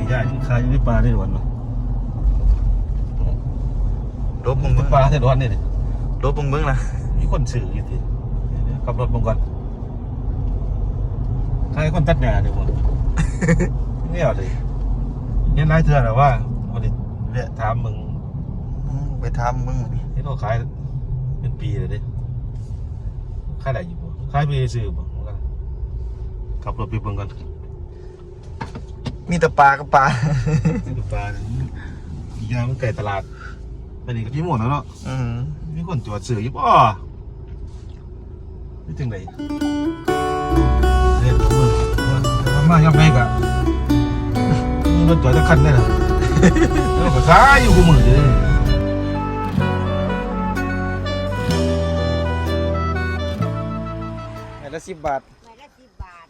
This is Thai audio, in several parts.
ยายขายอยู่ในป่าได้หรอวะรถมึงป่าได้หรอเนี่ยรถมึงนะมีคนซื้ออยู่ที่ขับรถมึงก่อนใครคนตัดหญ้าเนี่ยมึงนี่เอาเลยเห็นนายเถื่อนหรอว่าวันนี้เรียกถามมึงไปถามมึงที่เราขายเป็นปีเลยดิขายอะไรอยู่บ่ขายไปซื้อบ่กันขับรถไปเบิ่งกันมีแต่ปลากับปลามีปลาอีกอย่างมันไก่ตลาดไปนี่ก็พี่หมดแล้วเนาะมีคนจอดซื้ออยู่บ่นี่ถึงไหนเรียนมือมันมาย่ำไปกะมีรถจอดจะคันได้หรอแล้วก็ขายอยู่กูมือเลยละ10 บาทไม่ละ10 บาท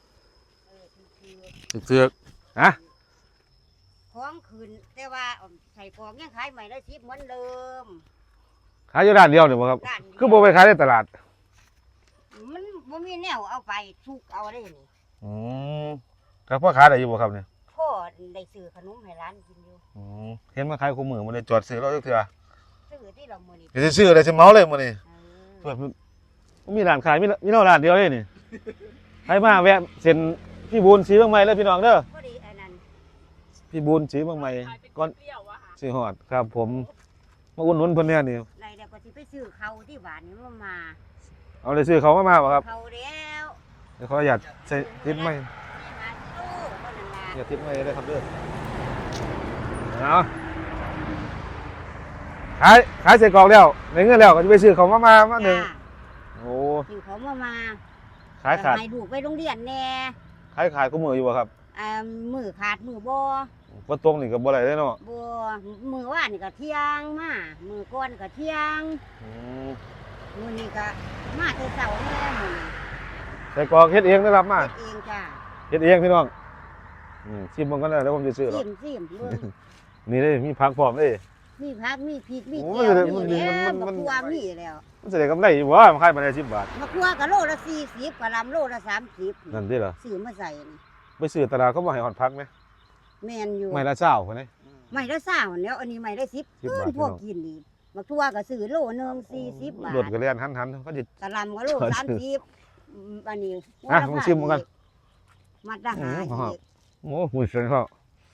เสือกฮะของคืนแต่ว่าใส่กองยังขายไม่ละ10เหมือนเดิมขายอยู่ร้านเดียวเนี่ยบ่ครับคือบ่ไปขายในตลาดมันบ่มีแนวเอาไปทุกเอาได้นี่ครับพ่อขายได้อยู่บ่ครับเนี่ยพ่อได้ซื้อขนมให้ร้านกินอยู่เห็นมาขายคู่มือมันเลยจอดซื้อเราเถื่อซื้อที่เรามื้อนี้จะซื้ออะไรสิเมาเลยมื้อนี้เพิ่นมีร้านขายมีเนาะร้านเดียวเองนี่ใครมาแวะเส้นพี่บูนสีบางใหม่เลยพี่น้องเด้อพอดีอันนั้นพี่บูนสีบางใหม่ก่อนสิฮอดครับผมมาอุ่นนุนเพิ่นเนี่ยนี่ไรเดี๋ยวก็สิไปซื้อเขาที่บ้านนี่มาเอาเลยซื้อเขามาบ่ครับเขาแล้วเดี๋ยวขออนุญาตใส่ทิศไม้อย่าทิศไม้ได้ครับเด้อเอาขายเสร็จกรอกแล้วในเงินแล้วก็จะไปซื้อเขามาหนึ่งโอ้ซื้อเขามาขายขาดให้ดูไปโรงเรียนแน่ขายก็มืออยู่บ่ครับมือขาดมือบ่บ่ตรงนี่ก็บ่ได้เนาะบ่มือว่านนี่ก็เที่ยงมามือก่อนก็เที่ยงมือนี้ก็มาแต่เช้าแน่มื้อใส่กรอกเฮ็ดเองได้รับมาเฮ็ดเองจ้ะเฮ็ดเองพี่น้องชิมมันก็ได้แล้วผมจะซื้อหรอกชิมนี่ได้มีผักพร้อมเด้มีผักมีพริกมีแก้วมีแล้วมะขัวมีแล้วมันจะได้กำไรอยู่บ่มันขายมาได้10 บาทมะขัวก็โลละ40กะหล่ำโลละ30 นั่นติเหรอซื้อมาใส่ไปซื้อตลาดเขาบ่ให้ฮอดผักมั้ยแม่นอยู่ไม่ละ20พุ่นนี่ไม่ละ20แล้วอันนี้ไม่ละ10พวกกินนี่มะขัวก็ซื้อโลนึง40 บาทรถก็เรียนหันเขาสิกะหล่ำก็โล30อันนี้ผมชิมมันกันมาดาหาอีกโอ้หุ่นเสียงเขา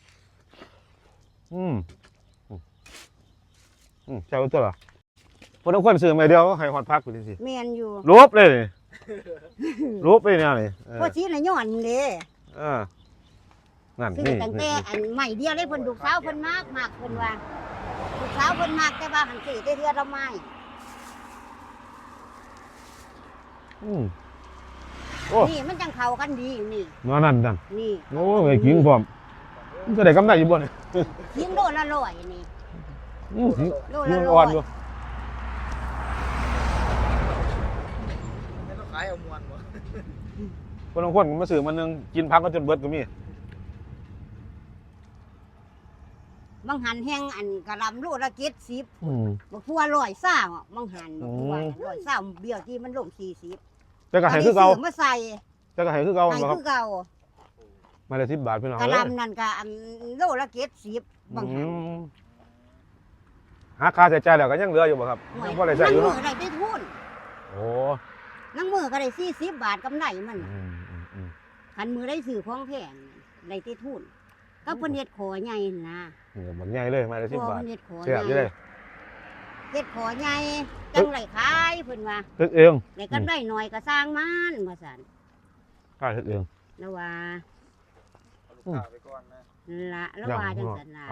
เจ้าตัวเหรอคนต้องคนซื้อมาเดียวให้ฮอดพักกูดิสิแม่นอยู่ลบเลยลบเลยเนี่ยนี่พอชี้น่ะย้อนเด้นั่นนี่ตั้งแต่อันใหม่เดียวเลยเพิ่นลูกสาวเพิ่นมากเพิ่นว่าลูกสาวเพิ่นมากแต่ว่าหันสิได้เทื่อละไม้นี่มันจังเข้ากันดีนี่นั่นนี่โอ้ยกินพร้อมมันจะได้กำไรอยู่บ่นี่กินโลละ100นี่โลละ100อ่อนอยู่ไม่ต้องขายเอามวนบ่คนบางคนมาซื้อมันนึงกินพักก็จนเบิดก็มีบางหันแห้งอันกะหล่ำโลละ70บักทั่ว120บางหันบักทั่ว120เบี้ยวที่มันลง40 แต่ก็ให้คือเก่ามาใส่แต่ก็ให้คือเก่าให้คือเก่ามาได้10 บาทพี่น้องกะหล่ำนั่นก็อันโลละ70บางหันหาค่าใช้จ่ายแล้วก็ยังเหลืออยู่บ่ครับยังบ่ได้ใช้อยู่เนาะได้ทุนโอ้นั่งมือก็ได้40 บาทกำไรมันคันมือได้ซื้อของแพงได้ทุนก็เพิ่นเฮ็ดขอใหญ่นะบักใหญ่เลยมาได้10 บาทเสียบอยู่เลยเฮ็ดขอใหญ่จังไรขายเพิ่นว่าเฮ็ดเองได้กำไรหน่อยก็สร้างมันว่าซั่นขายเฮ็ดเองแล้วว่าแล้วว่าจังซั่นล่ะ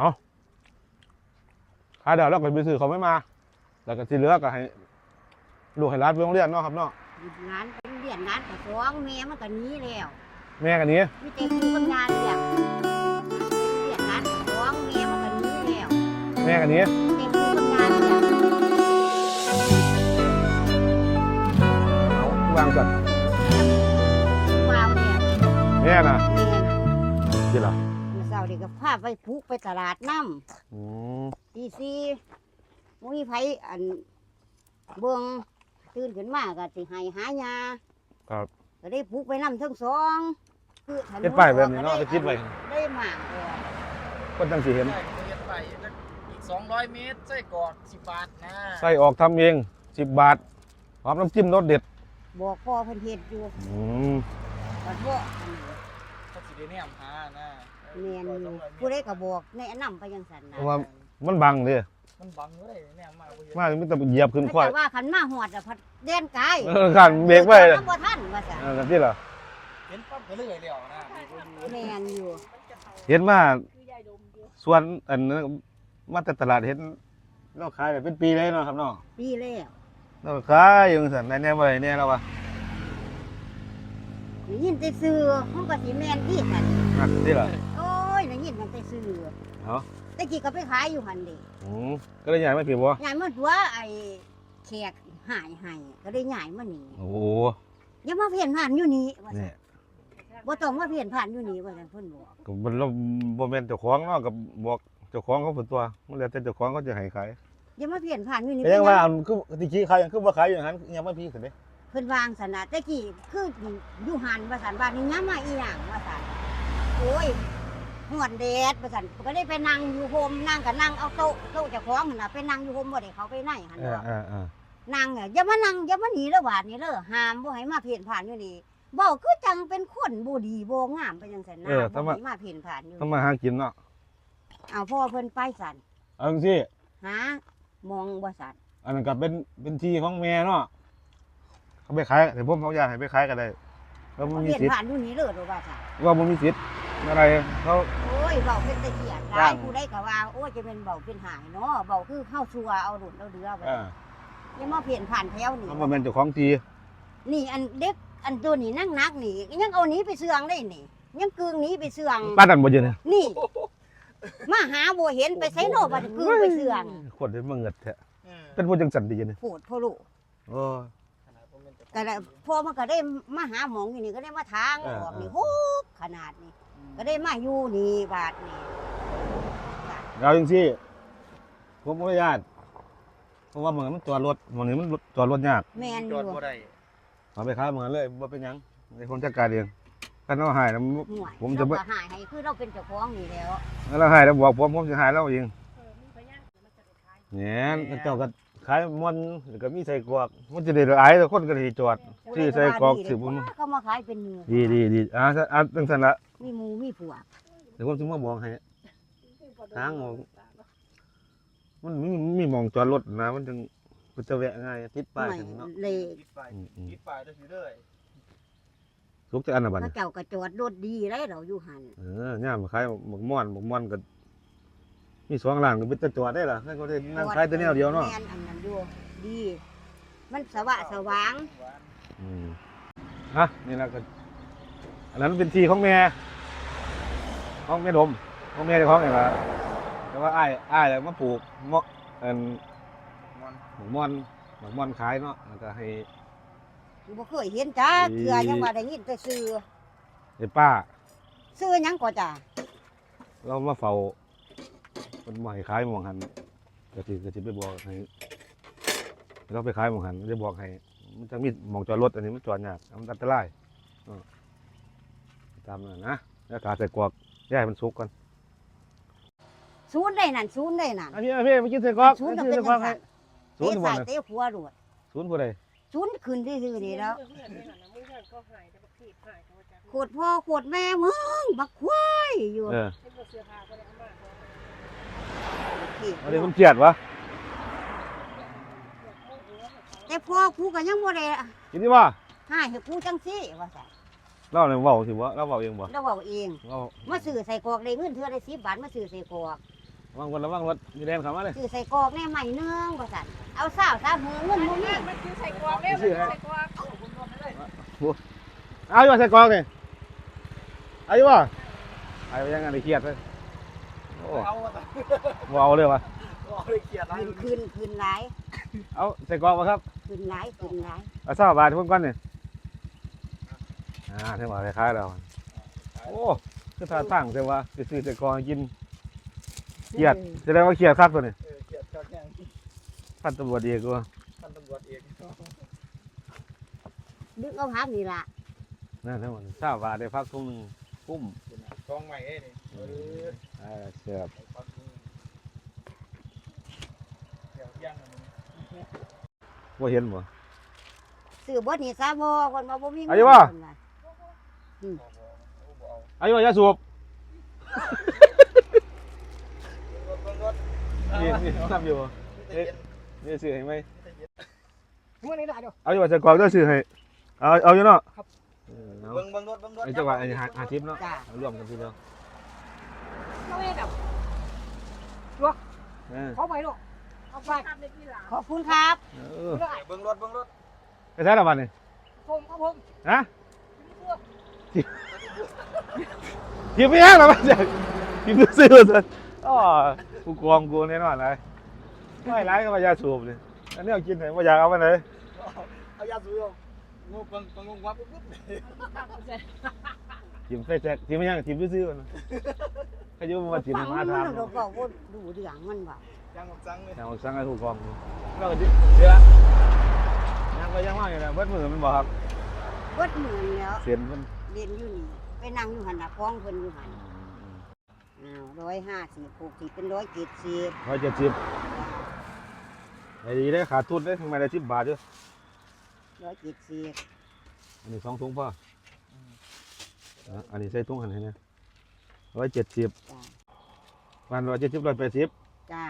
ขายแล้วก็ไปซื้อเขาไม่มาแล้วก็ที่เหลือก็ให้ลูกให้ร้านไปโรงเรียนเนาะครับเนาะร้านเป็นเรียนร้านก็ฟ้องแม่มันก็หนีแล้วแม่ก็หนีมีแต่ผู้ทำงานเรียนร้านก็ฟ้องแม่มันก็หนีแล้วแม่ก็หนีแต่ผู้ทำงานเรียนเอาวางก่อนว้าวเนี่ยแม่น่ะที่ล่ะเช้านี่ก็พาไปพุกไปตลาดน้ำตี4มุ้ยไผอันเบิ่งตื่นขึ้นมาก็สิให้หายาครับก็ได้พุกไปน้ำทั้งสองคือเฮ็ดไปแบบนี้เนาะไปคิดไว้ได้หมากคนจังสิเห็นใช่เฮ็ดไปอีก200 เมตรไส้กรอก10 บาทนะใส่ออกทำเอง10 บาทพร้อมน้ำจิ้มรสเด็ดบอกพ่อเพิ่นเฮ็ดอยู่อืมบัดบ่อันนี้เขาสิได้แนมหานะแม่นอยู่ผู้ใดก็บอกแนะนำไปจังซั่นเพนะราะว่ามันบังเด้มันบังอยู่ได้แนมมาบ่เห็นมามันต้องเหยียบขึ้นควายแต่ว่าคันมาฮอดอะพัดแดนกายขันเบรกไว้เลยบ่ทันว่าซั่นกันที่เหรอเห็นปั๊บก็เลยแล้วนะแม่นอยู่เห็นว่าส่วนอันนั้นมาแต่ตลาดเห็นเราขายแบบเป็นปีเลยเนาะครับเนาะปีแล้วเราขายอยู่สั่นแน่ๆบ่ได้แน่แล้ววะได้ยินแต่ชื่อมันก็สิแม่นอีกนั่นนั่นที่เหรอโอ้ยได้ยินตั้งแต่ชื่อเนาะแต่กี้ก็ไปขายอยู่หั่นเด้ก็เลยใหญ่ไม่ผิดบ่ยายมาตัวไอ้แขกหายให้ก็ได้ย้ายมานี่โอ้โหอย่ามาเพี้ยนผ่านอยู่นี่ว่าซั่นี่นบ่ต้องมาเพี้ยนผ่านอยู่นี่ว่าซั่นเพิ่นบอกก็มันเราบ่แม่นเจ้าของเนาะกับบอกเจ้าของเขาเพิ่นตัวมันแล้วแต่เจ้าของเขาจะให้ขายอย่ามาเพี้ยนผ่านอยู่นี่แต่ยังว่าอันคือที่ขี้ขายยังคือบ่ขายอยู่หั่นยังบ่พี่ขึ้นเด้เพิ่นวางซั่นน่ะแต่กี้คืออยู่หันว่าซั่นบ้านนี้ย้ำมาอีหยังว่าซั่นโอ้ยหวนแดดว่าซั่นก็ได้ไปนั่งอยู่โฮมนั่งก็นั่งเอาโต๊ะเจ้าของนั่นน่ะไปนั่งอยู่โฮมบ่ได้เขาไปไหนหั่นดอก นั่งอ่ะอย่ามานั่งอย่ามาหนีแล้วบาดนี้เด้อห้ามบ่ให้มาเพี้ยนผ่านอยู่นี่เว้าคือจังเป็นคนบ่ดีบ่งามไปจังซั่นนะบ่ให้มาเพี้ยนผ่านอยู่ต้องมาหากินเนาะเอาพ่อเพิ่นไปสั่นเอาจังซี่หามองบ่สั่นอันนั้นก็เป็นที่ของแม่เนาะเขาไปขายแต่ผมเขาอยากให้ไปขายก็ได้แล้วมันมีเพี้ยนสิทธิ์ผ่านอยู่นี่เด้อโดว่าสั่นว่าบ่มีสิทธิ์อะไรเขาโอ้ยเว้าเป็นตะเกียดหจ้าลาง ยผู้ใดก็ว่าโอ้ยจะเป็นเว้าเป็นหายเนาะเว้าคือเฮาชัวเอาดุนเอาเดือไปอย่ามาเพี้ยนผ่านแถวนี่เขาบ่แม่นเจ้าของที่นี่อันเด็กอันตัวนี้นั่งนักนี่ยังเอาหนี้ไปเสื่องได้นี่ยังกึ่งหนี้ไปเสื่องป้าดันบ่เยอะเนี่ยนี่ มาหาบ่เห็นไปไสโนบัดกึ่งไปเสื่องคนได้มาเงิดแท้เป็นผู้จังสันดีเนี่ยโพดพ่อลูกโอ้ก็ได้พอมันก็ได้มาหาหมองอยู่นี่ก็ได้มาทางออกนี่โหขนาดนี้ก็ได้มาอยู่นี่บาทนี่เอาจังซี่ผมบ่ญาตเพราะว่าเหมือนมันจอดรถหม้องนี้มันจอดรถยากแม่นอจอดยู่บ่ได้เอาไปขายเหมือนเลยบ่เป็นหยังในคนจัดการเองคันเอาหายแล้วห่วยผมจะเราบ่ก็หายให้คือเราเป็นเจ้าของนี่แล้วแล้วหายแล้วบอกผมสิหายแล้วเองเนี่ยเจ้าก็ขายมันแล้วก็มีใส่กรอกมันจะได้หลายแต่คนก็สิจอดซื้อใส่กรอกซื้อบ่มันเขามาขายเป็นหมู่ดีจังซั่นละมีหมูมีผัวเดี๋ยวผมสิมาบอกให้ทางออกมันมีหม่องจอดรถนะมันจึงมันจะแวะง่ายติดป้ายไม่ถึงเนาะเลยปิดไฟปิดไฟได้สิเด้อทุกแต่อันน่ะบัดพระนี้เจ้าก็จอดรถดีได้เราอยู่หันย่ามขายหมกม่อนก็มี2ร้านก็เป็นแต่จอดได้ล่ะนั่นก็ได้นั่งขายแต่แนวเดียวเนาะแม่นอันนั้นอยู่ดี มันสว่างนี่ล่ะก็อันนั้นเป็นที่ของแม่ดมของแม่เจ้าของนี่ล่ะแต่ว่าอ้ายแล้วมาปลูกเมาะอันมอนหมกม่อนขายเนาะแล้วก็ให้บ่เคยเห็นจ้าเทื่อยังว่าได้ยินแต่ชื่อให้ป้าชื่อหยังก็จ้าเรามาเฝ้ามันมาให้ขายหมองหันก็สิไปบอกให้เราไปขายหมองหันจะบอกให้มันจะมีหมองจอดรถอันนี้มันจอดยากมันอันตรายตามนั้นนะแล้วขาใส่กรอกย่ายมันสุกก่อนศูนย์ได้นั่นศูนย์ได้นั่นพี่มากินใส่กรอกศูนย์กิก็นเป็นใส่กรจัอกงให้ซั่นศูนเตะย์บ่ใส่น่ะเตะหัวรวดศูนย์ผู้ใดศูนย์ขึ้นซื่อๆนี่แล้วโคตรพ่อโคตรแม่มึงบักควายอยู่อันนี้มันเกลียดวะแต่พ่อกูก็ยังบ่ได้กินดีบ่หายให้กูจังซี่ว่าซั่นเล่าเลยเว้าสิบ่เล่าเว้าเองบ่เราเว้าเองเว้ามาซื้อใส่กรอกได้เงินเทื่อได้10 บาทมาซื้อใส่กรอกระวังรถมีแรงเข้ามาเลยซื้อใส่กรอกแน่ใหม่นึงว่าซั่นเอาสาวซะหือเงินบ่มีมันคือใส่กรอกเนี่ยมันคือใส่กรอกเอาอยู่ใส่กรอกนี่เอาอยู่บ่เอายังไงเครียดเลยโอ้เอาบ่เอาเลยวะเลยเกียดอะไรขึ้นหลายเอาใส่กรอกบ่ครับขึ้นหลายขึ้นหลายเอา20 บาทเพิ่นก่อนนี่เท่าว่าคล้ายๆแล้วโอ้คือท่าตั้งแต่ว่าไปซื้อใส่กรอกให้กินเครียดแสดงว่าเครียดคักตัวนี้เกียดจังแห้งพันตำรวจเอกว่าท่านตำรวจเองดึกเอาพักนี่ล่ะนั่นทั้งหมด20 บาทได้พักทุ่มนึงกุ้มกองใหม่เอ้นี่เออแซ่บเดี๋ยวย่างอันนี้ว่าเห็นบ่ซื้อเบิดนี่ซะบ่คนมาบ่มีเงินอายุว่าเพิ่นว่าอายุว่ายาสูบรถนี่ทำอยู่บ่นี่ซื้อให้ไหมเมื่อนี้ได้เดี๋ยวเอาอยู่ว่าจะกรอกได้ซื้อให้เอาอยู่เนาะครับเอาเบิ่งรถไอ้จังหวะไอ้หาทิปเนาะจ้าเอาร่วมกันทีเดียวเราไม่แบบเออขอไปลูกเอาไปทำในที่หลังขอบคุณครับเออเบิ่งรถไปใช้ละวันนี่ผมครับผมฮะทิปไม่ยากหรอกมันจะทิปซื้อๆสิอ๋อกูกองกูแน่นอนเลยไม่ร้ายก็มายาสูบเลยอันนี้เอากินไหนว่าอยากเอาไปไหนเอายาสูบงูเบิ่งวับปุ๊บทิปใส่แจ็คทิปไม่ยากทิปซื้อๆมันขยุมาทิปฟังมามันทำเราบอกว่าดูเรื่องมันว่าย่างจังเลยอย่างสั่งให้ถูกกองแล้วก็เดี๋ยวยังก็ยังว่าอยู่นะเบิดมือมันบอกครับเบิดหมื่นแล้วเสียนมันเรียนอยู่นี่ไปนั่งอยู่หันน่ะฟ้องเพิ่นอยู่หันอ้าว150 60เป็น170 170ไอ้ดีได้ขาดทุนได้ทำไมได้10 บาทด้วย 170 อันนี้2 ถุงพ่ออันนี้ใส่ถุงหันให้นะ170 จ้าวัน170 180 จ้า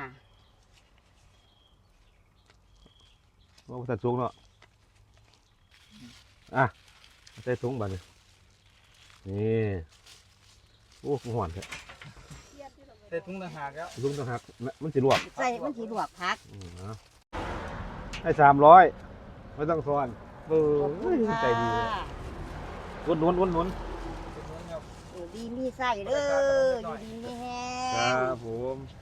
ว่าตัดสูงเนาะใส่ถุงบาทนี่นี่โอ้หอนแท้เสร็จทุ่งต่างหากแล้วถุงต้องหักมันสิลวกใส่มันสิลวกผักให้300ไม่ต้องซ้อนเอขอบคุณอค่ะใจดีเลยหนุนดีมีไส้เด้ออยู่ดีมีแฮครับผม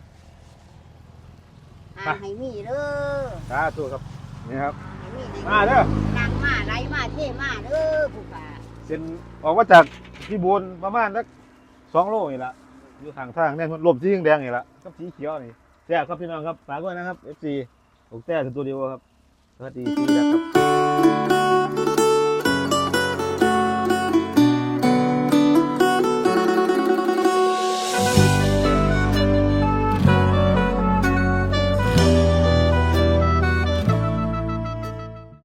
ให้มีเด้อสาธุครับนี่ครับให้มีในมาเด้อนั่งมาไหลมาเท่มาเด้อผู้ป่าเส้นออกมาจากที่บูนประมาณสัก2 โลนี่ละอยู่ข้างทางเนี่ยลมสีแดงๆนี่ละกับสีเขียวนี่แซ่บครับพี่น้องครับฝากด้วยนะครับ FC อกแต้สตูดิโอครับสวัสดีครับ